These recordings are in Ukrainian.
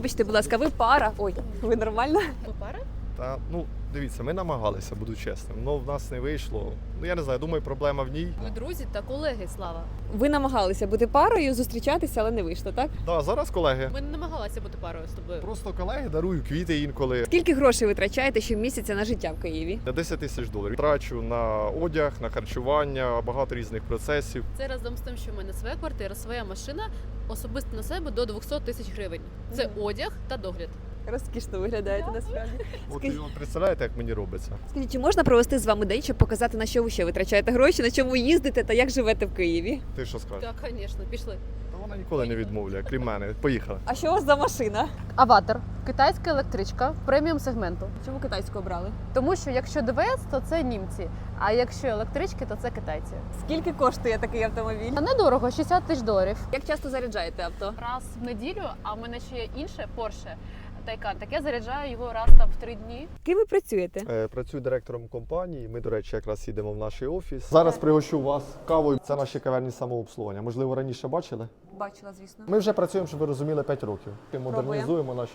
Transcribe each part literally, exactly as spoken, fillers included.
Вибачте, будь ласка, ви пара. Ой, ви нормально? Ви пара? Та ну дивіться, ми намагалися, буду чесним. Ну в нас не вийшло. Ну я не знаю, думаю, проблема в ній. Ми друзі та колеги, Слава. Ви намагалися бути парою, зустрічатися, але не вийшло, так? Да, зараз колеги. Ми не намагалися бути парою з тобою. Просто колеги дарую квіти інколи. Скільки грошей ви витрачаєте щомісяця на життя в Києві? На десять тисяч доларів. Трачу на одяг, на харчування, багато різних процесів. Це разом з тим, що в мене своя квартира, своя машина, особисто на себе до двісті тисяч гривень. Це одяг та догляд. Розкішно виглядаєте насправді. От Скажіть- і от представляєте, як мені робиться. Скажіть, чи можна провести з вами день, щоб показати, на що ви ще витрачаєте гроші, на чому їздите та як живете в Києві? Ти що скажеш? Так, звісно, пішли. Та вона ніколи не відмовляє, крім мене. Поїхали. А що у вас за машина? Аватар. Китайська електричка преміум сегменту. Чому китайську обрали? Тому що якщо ДВС, то це німці, а якщо електрички, то це китайці. Скільки коштує такий автомобіль? А недорого, шістдесят тисяч доларів. Як часто заряджаєте авто? Раз в неділю, а в мене ще є інше Porsche Taycan. Так я заряджаю його раз там в три дні. Ким ви працюєте? Е, Працюю директором компанії. Ми, до речі, якраз їдемо в наш офіс. Зараз пригощу вас кавою. Це наші кав'ярні самообслуговування. Можливо, раніше бачили? Бачила, звісно. Ми вже працюємо, щоб ви розуміли, п'ять років. Ми модернізуємо наші.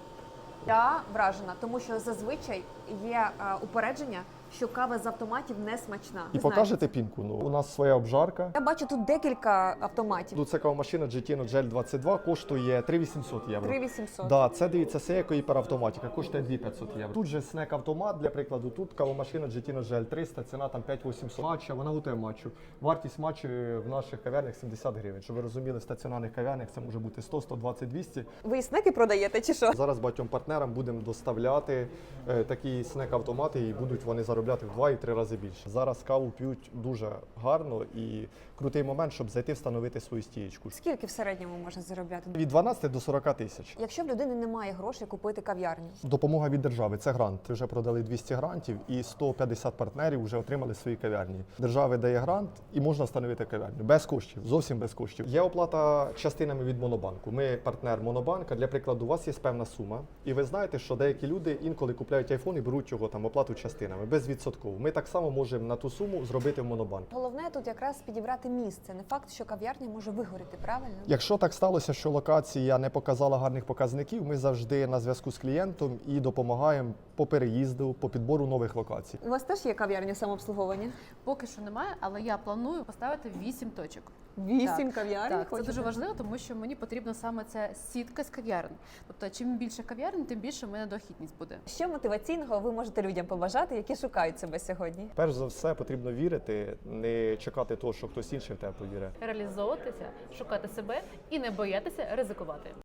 Я вражена, тому що зазвичай є е, упередження, що кава з автоматів не смачна. І Ви покажете пінку. Ну, у нас своя обжарка. Я бачу тут декілька автоматів. Тут це кавомашина джі ті Nogel двадцять два, коштує три тисячі вісімсот євро. три тисячі вісімсот. Да, це дивіться, Seiko гіперавтоматика, коштує дві тисячі п'ятсот євро. Тут же снек автомат, для прикладу, тут кавомашина джі ті Nogel триста, ціна там п'ять тисяч вісімсот. Матча, вона готує матчу. Вартість матчу в наших кав'ярнях сімдесят гривень. Щоб ви розуміли, в стаціонарних кав'ярнях це може бути сто, сто двадцять, двісті. Ви і снеки продаєте чи що? Зараз багатьом партнерам будемо доставляти е, такі снек-автомати і будуть вони заробляти в два і три рази більше. Зараз каву п'ють дуже гарно і крутий момент, щоб зайти встановити свою стієчку. Скільки в середньому можна заробляти? Від дванадцяти до сорока тисяч. Якщо в людини немає грошей купити кав'ярню, Допомога від держави це грант. Ми вже продали двісті грантів і сто п'ятдесят партнерів вже отримали свої кав'ярні. Держава дає грант і можна встановити кав'ярню без коштів, зовсім без коштів. Є оплата частинами від Монобанку. Ми партнер Монобанка. Для прикладу, у вас є певна сума, і ви знаєте, що деякі люди інколи купляють айфон і беруть його там оплату частинами безвідсотково. Ми так само можемо на ту суму зробити в Монобанк. головне тут якраз підібрати місце. Не факт, що кав'ярня може вигоріти, правильно? Якщо так сталося, що локація не показала гарних показників, ми завжди на зв'язку з клієнтом і допомагаємо по переїзду, по підбору нових локацій. У вас теж є кав'ярня самообслуговування? Поки що немає, але я планую поставити вісім точок. Вісім кав'ярень? Так, це хочете? дуже важливо, тому що мені потрібна саме ця сітка з кав'ярень. Тобто, чим більше кав'ярень, тим більше в мене дохідність буде. Що мотиваційного ви можете людям побажати, які шукають себе сьогодні? Перш за все, потрібно вірити, не чекати того, що хтось інший в тебе повірить. Реалізовуватися, шукати себе і не боятися ризикувати.